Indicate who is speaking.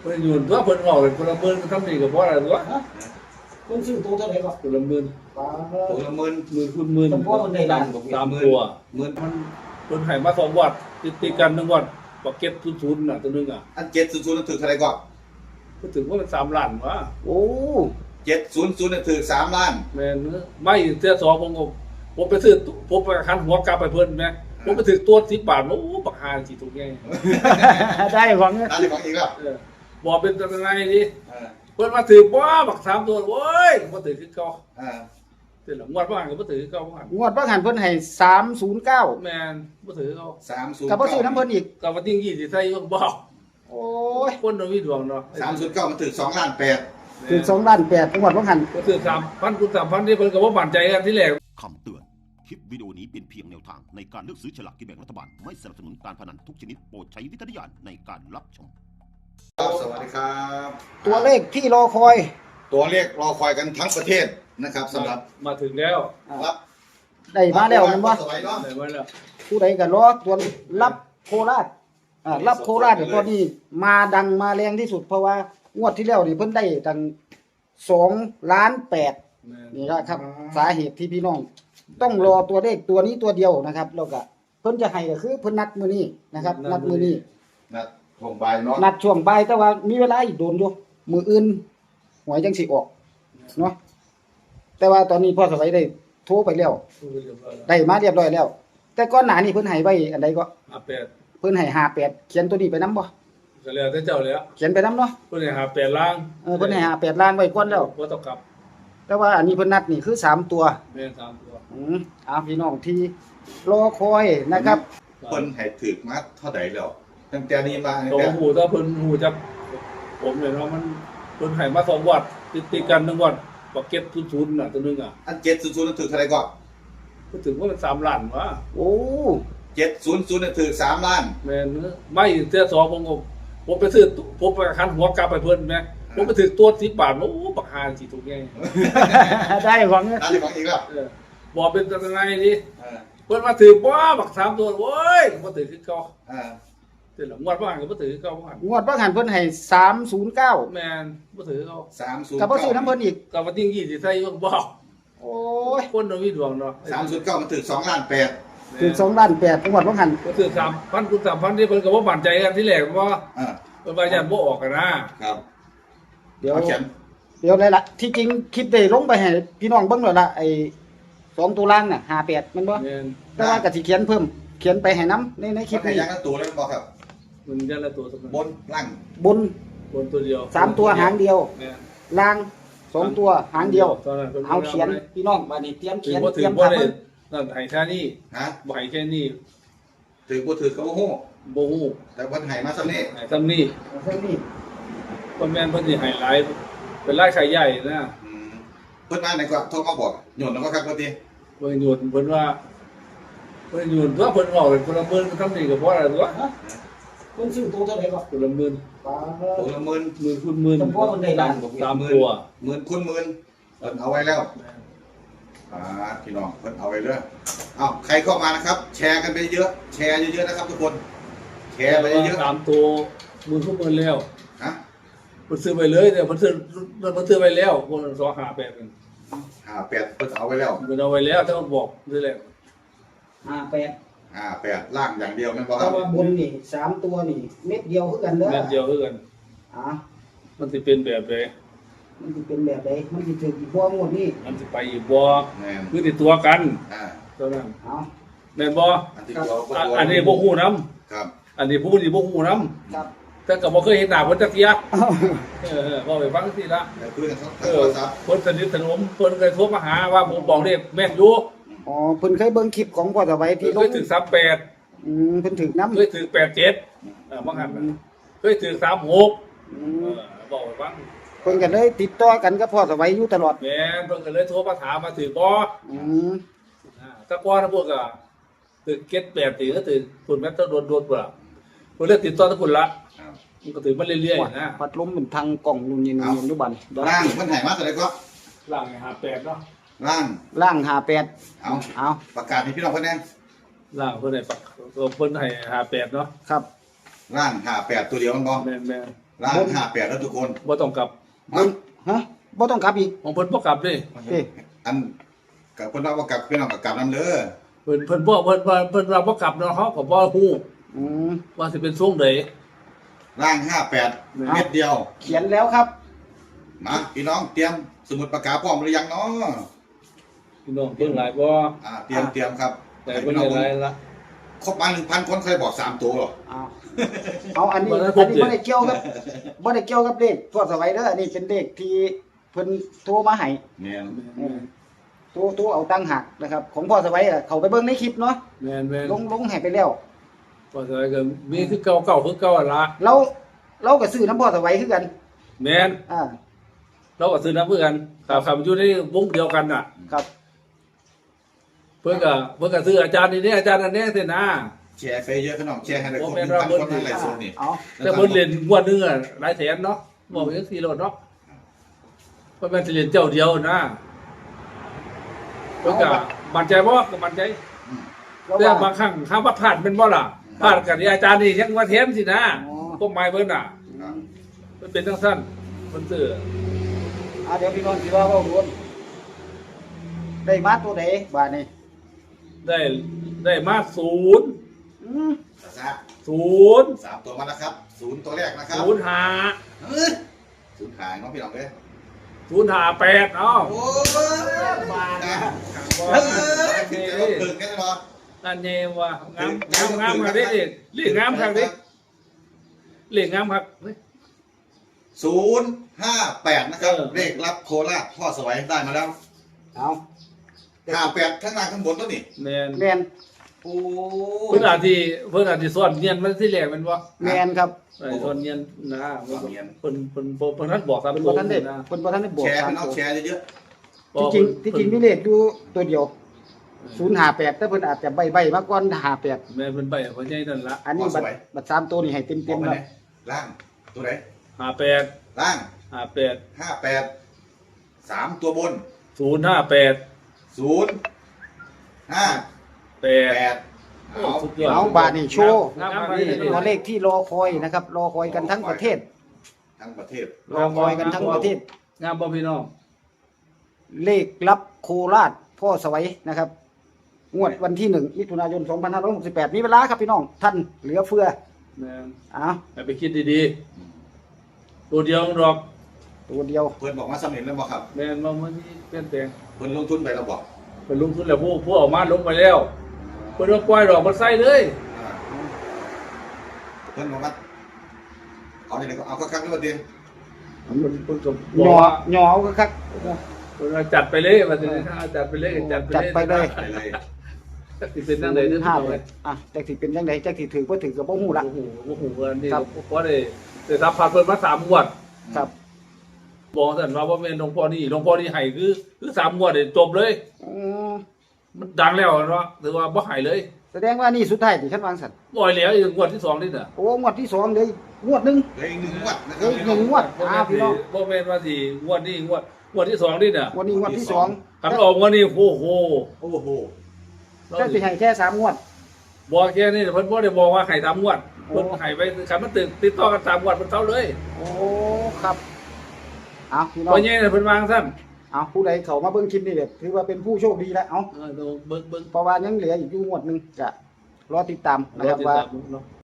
Speaker 1: พิ่นอยู่ตัวเพิ่นออกเลยคนละหมื่นทำนี่ก็บ่ได้ตัว
Speaker 2: เพิ่นซื้อตัวเท่าไหร่ก็
Speaker 1: คนละหมื่น
Speaker 3: ตัวละหมื่น
Speaker 1: หมื่นคูณหมื่น
Speaker 2: จำพวกมันได้ล้าน
Speaker 1: ตามตัว
Speaker 3: หมื่น
Speaker 1: มันเพิ่นให้มา2วัดติดกัน1วัดบ่เก็บทุนน่ะตัวนึงอ่ะ
Speaker 3: อัน700นั่นถือเท่าไหร่ก็
Speaker 1: ก็ถึงว่ามัน3ล้านวะ
Speaker 2: โอ้
Speaker 3: 700นั่นถือ3ล้าน
Speaker 1: แม่นไม่เสื้อ2ผมไปซื้อผมไปคันหัวกลับไปเพิ่นแม่ผมไปถึงตัว10 บาทโอ้บักหาสิถูกไง
Speaker 2: ได้หวัง
Speaker 3: ร้านที่ของอีกแล้ว
Speaker 1: บ่เป็นจังไงดิ
Speaker 3: เออ
Speaker 1: เพิ่นมาถือบ่บัก3ตัวโอ้ยบ่ถือคือเก่า
Speaker 3: เออ
Speaker 1: แต่ละงวดว่าก็บ่ถือคือเก่าว่า
Speaker 2: งวดว่าหันเพิ่นให้309
Speaker 1: แม่นบ่ถือเขา
Speaker 3: 309
Speaker 2: กับบ่ซื้อน้ำเพิ่นอีก
Speaker 1: กับว่าติ้ง20ใส่บ่
Speaker 2: โอ้ย
Speaker 1: คนบ่มีดวงเนาะ
Speaker 3: 309มันถือ2ล้าน8
Speaker 2: ถึง2ล้าน8งวดว่าหัน
Speaker 1: ก็ถือ3,000คูณ3,000นี่เพิ่นก็บ่มั่นใจกันที่แรก
Speaker 4: คำเตือน คลิปวิดีโอนี้เป็นเพียงแนวทางในการเลือกซื้อฉลากกินแบ่งรัฐบาล ไม่สนับสนุนการพนันทุกชนิดโปรดใช้วิจารณญาณในการรับชม
Speaker 3: ครับสวัสดีครับ
Speaker 2: ตัวเลขที่รอคอย
Speaker 3: ตัวเลขรอคอยกันทั้งประเทศนะครับสำหรับ
Speaker 1: มาถึงแล้ว
Speaker 3: รับ
Speaker 2: ได้มาแล้วแม่นบ่
Speaker 3: สวัยเนาะ
Speaker 1: ได้มาแล้ว
Speaker 2: ผู้ใดก็รอตัวรับโคราชรับโคราชเนี่ยตัวนี้มาดังมาแรงที่สุดเพราะว่างวดที่แล้วนี่เพิ่นได้ตั้ง2ล้าน8
Speaker 1: แม่น
Speaker 2: นี่นะครับสาเหตุที่พี่น้อง ต้องรอตัวเลขตัวนี้ตัวเดียวนะครับแล้วก็เพิ่นจะให้ก็คือเพิ่นนัดมื้อนี้นะครับ นัดมื้อนี้
Speaker 3: นะผมบายเนาะ
Speaker 2: นัดช่วงบ่ายแต่ว่ามีเวลาอีกโดนอยู่มื้ออื่นหวยจังสิออกเนาะแต่ว่าตอนนี้พ่อสวัยได้โทรไปแล้ว
Speaker 1: พูดเรียบร้อยแล้ว
Speaker 2: ได้มาเรียบร้อยแล้ว แต่ก่อนหน้านี้เพิ่นให้ไว้อันใดก็
Speaker 1: 58
Speaker 2: เพิ่นให้58เขียนตัวนี้ไปนํบ่
Speaker 1: ก็แล้วแต่เจ้าแล้ว
Speaker 2: เขียนไปนํเนาะ
Speaker 1: เพิ่นให้58ล้าง
Speaker 2: เพิ่นให้58ล้านไว้ก่อนแล้ว
Speaker 1: บ่ต้องกลับ
Speaker 2: แต่ว่าอันนี้เพิ่นนัดนี่คือ3ตัว
Speaker 1: แม่น3ตัว
Speaker 2: พี่น้องที่รอคอยนะครับ
Speaker 3: เพิ่นให้ถือมาเท่าใดแล้วตั้งแต่นี้มา
Speaker 1: โตหูถ้าเพิ่นหูจักผมเลยเนาะมันเพิ่นให้มา2วัดติดกัน1วัดบ่เก็บทุนน่ะตัวนึงอ่ะ
Speaker 3: อัน700นั่นถือเท่าไหร่ก็
Speaker 1: ก็ถึงว่ามัน3ล้านวะ
Speaker 2: โอ้
Speaker 3: 700นั่นถือ3ล้าน
Speaker 1: แม่นไม่เสื้อ2ผมไปซื้อผมไปคันหัวกลับไปเพิ่นแม่ผมไปถึงตัว10 บาทโอ้บักหาสิถูกไง
Speaker 2: ได้หวัง
Speaker 3: ร้านที่ของอีกแล้ว
Speaker 1: บ่เป็นจังไงดิ
Speaker 3: เออ
Speaker 1: เพิ่นมาถือบ่บัก3ตัวโอ้ยบ่ถือคือเก่า
Speaker 3: เออ
Speaker 1: แต่ละงวดว่าก็บ่ถือคือเก่าว่า
Speaker 2: งวดว่าหันเพิ่นให้309
Speaker 1: แม่นบ่ถือเขา
Speaker 3: 309
Speaker 2: กับบ่ซื้อน้ำเพิ่นอีก
Speaker 1: กับว่าติ้ง20ใส่บ่
Speaker 2: โอ้ย
Speaker 1: คนบ่มีดวงเนาะ
Speaker 3: 309มันถือ2ล้าน8
Speaker 2: ถึง2ล้าน8งวดว่าหัน
Speaker 1: ก็ถือ3,000คูณ3,000นี่เพิ่นก็บ่มั่นใจกันที่แรกว่า
Speaker 3: เออ
Speaker 1: เพิ่นว่ายันบ่ออกกันนะครับ
Speaker 2: เดี๋ยว
Speaker 3: เอาเขียน
Speaker 2: เลยล่ะที่จริงคลิปได้ลงไปให้พี่น้องเบิ่งแล้วล่ะไอ้2ตัวล่างน่ะ58มันบ่
Speaker 1: แม่น
Speaker 2: แต่ว่าก็สิเขียนเพิ่มเขียนไปให้นํในคลิป
Speaker 3: มันให้
Speaker 2: นี้
Speaker 3: ยังกันตัวเลยบ่ครับ
Speaker 1: มันยันละตัวสัก
Speaker 3: บนล่าง
Speaker 2: บน
Speaker 1: บนตัวเดียว
Speaker 2: 3ตัวหางเดียว
Speaker 1: แม่น
Speaker 2: ล่าง2ตัวหางเดียว
Speaker 1: ตอนนั้นพิ่
Speaker 2: เอาเขียนพี่น้องมานี่เตรียม
Speaker 1: ถื
Speaker 2: เขี
Speaker 1: อย
Speaker 2: น
Speaker 1: บ่
Speaker 2: เต
Speaker 1: ถื
Speaker 2: รี
Speaker 1: อย
Speaker 2: ม
Speaker 1: บ่
Speaker 2: ทำ
Speaker 1: ได้
Speaker 2: เพิ่น
Speaker 1: นั่นให้แค่นี้
Speaker 3: ฮะ
Speaker 1: บ่ให้แค่นี้
Speaker 3: ถือบ่ถือก็บ่ฮู้
Speaker 1: บ่ฮู้
Speaker 3: แต่เพิ่นให้มาซำนี้
Speaker 1: ให้ซ้ำนี้
Speaker 2: เพิ่นนี่
Speaker 1: เพิ่นแม่นเพิ่นสิให้หลายเป็นรายขายใหญ่นะ
Speaker 3: อืมเพิ่นมาไหนก็โทรมาบอกโยนแล้วก็ครับว่าติ
Speaker 1: เพิ่นหยุดเพิ่นว่าเพิ่นหยุดตัวเพิ่นออกเลยคนละหมื่นทำนี่ก็บ่ได้ตัว
Speaker 2: เพิ่นซื้อตัวเท่าไหร่ก็
Speaker 1: คนละหมื่น
Speaker 3: ตัวละหมื่น
Speaker 1: หมื่นคูณหมื่น
Speaker 2: จำพวกมันได้ล้าน
Speaker 1: ตามตัว
Speaker 3: หมื่นคูณหมื่นเพิ่นเอาไว้แล้วพี่น้องเพิ่นเอาไว้เด้อเอ้าใครเข้ามานะครับ แชร์กันไปเยอะแชร์เยอะๆนะครับทุกคนแชร์ไปเยอะ
Speaker 1: ตามตัวหมื่นคูณหมื่นแล้ว
Speaker 3: ๆฮะ
Speaker 1: เพิ่นซื้อไปเลยเนี่ยเพิ่นซื้อไปแล้วคนละ258นึง
Speaker 3: 58เพิ่นเอาไว้แล้ว
Speaker 1: เพิ่นเอาไว้แล้วถ้าบอกซื้อแล้ว
Speaker 2: 58
Speaker 3: 58ล่างอย่างเดียวแม่นบ่ค
Speaker 2: แต่
Speaker 3: รับ
Speaker 2: ว่าบนนี่3ตัวนี่เม็ดเดียวคือกันเด้อ
Speaker 1: แม่นเดียวคือกัน
Speaker 2: อ่า
Speaker 1: มันสิเป็นแบบใด
Speaker 2: มันสิเป็นแบบใดมันสิถึงอีกบ่งวดนี้
Speaker 1: มันสิไปอีกบ่
Speaker 3: แม่น
Speaker 1: คือติดตัวกัน
Speaker 3: อ่า
Speaker 1: เท่านั้น
Speaker 2: เอา
Speaker 1: แม่นบ่
Speaker 3: อันที่ตัวก็ตัว
Speaker 1: อันนี้บ่ฮู้นํ
Speaker 3: ครับ
Speaker 1: อันนี้ผู้นี่บ่ฮู้นํ
Speaker 2: ครับ
Speaker 1: แต่ก็บ่เคยเห็นหน้าเพิ่นจักเที่ยบ่ไปฟังสิละ
Speaker 3: แล้วคุยกันทาง
Speaker 1: เอ
Speaker 3: โท
Speaker 1: อ
Speaker 3: รศัพท์
Speaker 1: เพิ่นสนิทสนมเพิ่นเคยโทรมาหาว่าผมบอกเลขแม่นอยู่
Speaker 2: อ๋อเพิ่นเคยเบิ่งคลิปของพ่อสวัยที่ล
Speaker 1: เค
Speaker 2: ง
Speaker 1: ยถึง38
Speaker 2: เพิ่นถึกนำ
Speaker 1: เคยถึง87บางหันเคยถึง36บอกไปฟัง
Speaker 2: เพิ่นก็เลยติดต่อกันกับพ่อสวัยอยู่ตลอด
Speaker 1: แม่นเพิ่นก็เลยโทรมาถามมาถึงบ่
Speaker 2: อืม
Speaker 1: ถ้าก่อนพวกก็ถึง78ถึงก็ถึงคุณแม่ต้องโดนๆพุ่นล่ะเพิ่นเลยติดต่อทุกคนละ
Speaker 3: ครับ
Speaker 1: มันก็ถึงมาเรื่อยๆนะ
Speaker 2: พัดลมเป็นทางกล่องนู่นนี่นี่อยู่บัดนี้
Speaker 3: ล่างเพิ่นให้มาเท่าไหร่ก็
Speaker 1: หลัง58เนาะ
Speaker 3: ล่าง
Speaker 2: ล่าง58
Speaker 3: เอา
Speaker 2: เอา
Speaker 3: ประกาศให้พี่น้องเพิ่นแน่
Speaker 1: หลังเพิ่นให้ปักเพิ่นให้58เนาะ
Speaker 2: ครับ
Speaker 3: ล่าง58ตัวเดียวมันบ่
Speaker 1: แม่น
Speaker 3: ล่าง58แล้วทุกคน
Speaker 1: บ่ต้องกลับ
Speaker 2: บนฮะบ่ต้องกลับอีก
Speaker 1: ของเพิ่นบ่กลับเด้
Speaker 2: เอ้ย
Speaker 3: อันกับคนเราว่ากลับพี่น้องกับกลับน้ำเด้อ
Speaker 1: เพิ่นบ่เพิ่นว่าบ่กลับเนาะเฮาก็บ่ฮู้
Speaker 2: อืม
Speaker 1: ว่าสิเป็นทรงใด
Speaker 3: ล่าง58เม็ดเดียว
Speaker 2: เขียนแล้วครับ
Speaker 3: มาพี่น้องเตรียมสมุดปากกาพร้อมหรือยังเนาะ
Speaker 1: พี่น้องเพิ่นหลายบ่
Speaker 3: เตรียมครับ
Speaker 1: แต่เพิ่นได้หลายละ
Speaker 3: ครบมา 1,000 คนเคยบอก3ตัวหรอ
Speaker 2: เอาอันนี้
Speaker 1: บ่ได้
Speaker 2: อัน
Speaker 1: ครบ
Speaker 2: นี้
Speaker 1: สิ
Speaker 2: บ่ได้เกี่ยวกับบ่ได้เกี่ยวกับเลขทอดสวัยเด้ออันนี้เป็นเลขที่เพิ่นโทรมาให้
Speaker 3: แม่น
Speaker 2: โทรเอาตังค์หักนะครับ ของพ่อสวัยอะเขาไปเบิ่งในคลิปเนาะ
Speaker 1: แม่น
Speaker 2: ลงให้ไปแล้ว
Speaker 1: ก็ใส่ก็มีคือเก่าคือเก่าหั่นล่ะ
Speaker 2: เราก็ซื้อน้ำพ่อสวัยคือกัน
Speaker 1: แม่น
Speaker 2: อ่า
Speaker 1: เราก็ซื้อน้ำเพื่อกันครับอยู่ในวงเดียวกันน่ะ
Speaker 2: ครับ
Speaker 1: เพิ่นก็ซื้ออาจารย์นี่อาจารย์อันนี้สินะ
Speaker 3: แชร์ไปเยอะพี่น้องแชร์ให้ได้ครบ
Speaker 1: โอ้แม่น
Speaker 3: 1,000 คน
Speaker 1: ว่าเบิ่ง
Speaker 3: ในไลฟ์สดนี่
Speaker 2: เอา
Speaker 1: แต่เพิ่นเล่นงวดหนึงอ่ะหลายแสนเนาะบอกจังซี่โลดเนาะเพิ่นแม่นสิเล่นเจ้าเดียวนะเพิ่นก็มั่นใจบ่ก็มั่นใจ
Speaker 2: แล้ว
Speaker 1: แต่
Speaker 2: ว่า
Speaker 1: บางครั้งถ้าว่าพลาดเป็นบ่ล่ะพลาดกันอาจารย์นี่ยังว่าแถมสินะ
Speaker 2: อ๋อ
Speaker 1: ก็หมายเพิ่นน่ะมันเป็นจังซั่นเพิ่นซื้อ
Speaker 2: เดี๋ยวพี่น้องสิว่าเว้าดวนได้มาตัวใดบาดนี้
Speaker 1: ได้มา0
Speaker 2: อืม
Speaker 3: ซะ
Speaker 1: 0
Speaker 3: 3ตัวมาแล้วครับ0ตัวแรกนะครับ
Speaker 1: 0 5
Speaker 3: 0หายน้องพี่น้องเด้อ
Speaker 1: 0 5 8เนาะ
Speaker 3: โอ้ย
Speaker 2: บาด
Speaker 3: นะ
Speaker 2: นะ
Speaker 3: เฮ้ยเดี๋ยวเพิ่งกันเหรอ
Speaker 1: นั่นเองว่างามครับเด็กเรียกงามครับเด็กเรียกงามครับ
Speaker 3: 058นะครับ เลขรับโคราชพ่อสวัยได้มาแล้ว
Speaker 2: เอา
Speaker 3: 58ข้างล่างข้างบนตัวนี่
Speaker 1: แมน
Speaker 2: แม่น
Speaker 3: โอ้
Speaker 1: เพื่อนอาทิสอนเงียนมันที่แหลกมันวะ
Speaker 2: แม่นครับ
Speaker 1: สอนเงียนนะเพิ่นท่านบอกครับ
Speaker 2: เพิ่นบ่ทันได้เพิ่นบ่ทันได้บอก
Speaker 3: แชร์
Speaker 2: สาม
Speaker 3: พี่น้อง
Speaker 2: ตัว
Speaker 3: แชร์เยอะ
Speaker 2: ที่จริงมีเลขอยู่ตัวเดียว058แต่เพิ่นอาจจะใบมาก่อน58
Speaker 1: แม่เป็นใบเขาใหญ่นั่นละ
Speaker 2: อันนี้บัตร3ตัวนี่ให้
Speaker 3: ๆ
Speaker 2: เต็ม
Speaker 3: บอก
Speaker 2: ๆ
Speaker 3: ไป
Speaker 2: แล้ว
Speaker 3: ไหนล่างตัวไหน
Speaker 1: 58
Speaker 3: ล่าง
Speaker 1: 58
Speaker 3: 58 3ตัวบน
Speaker 1: 058
Speaker 3: 0 5
Speaker 1: 8
Speaker 3: 8เอา
Speaker 1: สุดยอด
Speaker 2: เอาบาดนี่โชว์
Speaker 1: งามครับนี่
Speaker 2: ตัวเลขที่รอคอยนะครับ รอคอยกันทั้งประเทศ
Speaker 3: ทั้งประเทศ
Speaker 2: รอคอยกันทั้งประเทศ
Speaker 1: งามบ่พี่น้อง
Speaker 2: เลขรับโคราชพ่อสวัยนะครับ งวดวันที่1มิถุนายน2568มีเวลาครับพี่น้อง ท่านเหลือเฟือ
Speaker 1: แม่น
Speaker 2: เอา
Speaker 1: ให้ไปคิดดีๆตัวเดียวดอก
Speaker 2: ตัวเดียว
Speaker 3: เพื่อนบอกว่าสำเร็จแล้วบอกครับ
Speaker 1: แม่นบ่มันเปลี่ยนแปลง
Speaker 3: เพื่อนลงทุนไปแล้วบอก
Speaker 1: เป็นลงทุนแล้วผู้ออกมาลงไปแล้วเพิ่นว่าปล่อยดอกมันใส่เลย
Speaker 3: เพื่อนบอกว่าเอาไหนก็เอาครั้งๆด้วยเดียว
Speaker 1: มันเพิ่นก็บ
Speaker 2: ห
Speaker 1: อก
Speaker 2: ย่อ
Speaker 1: ว่า
Speaker 2: หย่อเอาคัก
Speaker 1: เพิ่นว่าจัดไปเลยว่าสิถ้าจัดไปเลยจัดไป
Speaker 2: จัดไปเลย
Speaker 3: ไปเลย
Speaker 1: สิเป็นจังได๋เด้อ
Speaker 2: ห้า
Speaker 1: พี่น้อง
Speaker 2: เล
Speaker 1: เอ้
Speaker 2: ย
Speaker 1: ย
Speaker 2: จักสิเป็นจังไดจักสิถือบ่ถือก็บ่ฮู้ละ
Speaker 1: โอ้โหอันนี้
Speaker 2: ครับ
Speaker 1: เพราะได้รับผ่านเพิ่นมา3งวด
Speaker 2: ครับ
Speaker 1: บอกซั่นว่าบ่แม่นหลวงพ่อนี่ให้คือ3งวดนี่จบเลย
Speaker 2: อืม
Speaker 1: มันดังแล้วเนาะถือว่าบ่ให้เลย
Speaker 2: แสดงว่านี่สุดท้ายที่ฉันวางสัน
Speaker 1: บ่ให้แล้วอีกงวดที่2นี่น่ะ
Speaker 2: โอ้งวดที่2เลยงวดหนึง
Speaker 3: เหลยอีก1 งวดนะค
Speaker 2: เหลื
Speaker 3: รั
Speaker 2: อบ อีกหนึ่งงวด พี่น้อง
Speaker 1: บ่แม่นว่าสิงวดนี้งวดที่2นี่น่ะ
Speaker 2: งวดนี้งวดที่
Speaker 1: คันออกงวดนี้โอ้โห
Speaker 3: โอ้โห
Speaker 2: 2แต่สิให้แค่3งวด
Speaker 1: บอกแค่นี้เพิ่นบ่ได้บอกว่าให้3งวดเพิ่นให้ไปคันมันติดต่อกัน3งวดเพิ่นเท่าเลย
Speaker 2: โอ้ครับเอาพี่น้อง
Speaker 1: บ่ใหญ่น่ะเพิ่นวางซั่น
Speaker 2: เอาผู้ใดเข้ามาเบิ่งคลิปนี่แบบถือว่าเป็นผู้โชคดีแล้วเอา
Speaker 1: เบิ่ง
Speaker 2: เพราะว่ายังเหลืออีกอยู่งวดหนึงจะรอติดตามนะ
Speaker 1: รอ
Speaker 2: ครับ
Speaker 1: ติด
Speaker 2: ว่า
Speaker 1: ตามเนาะ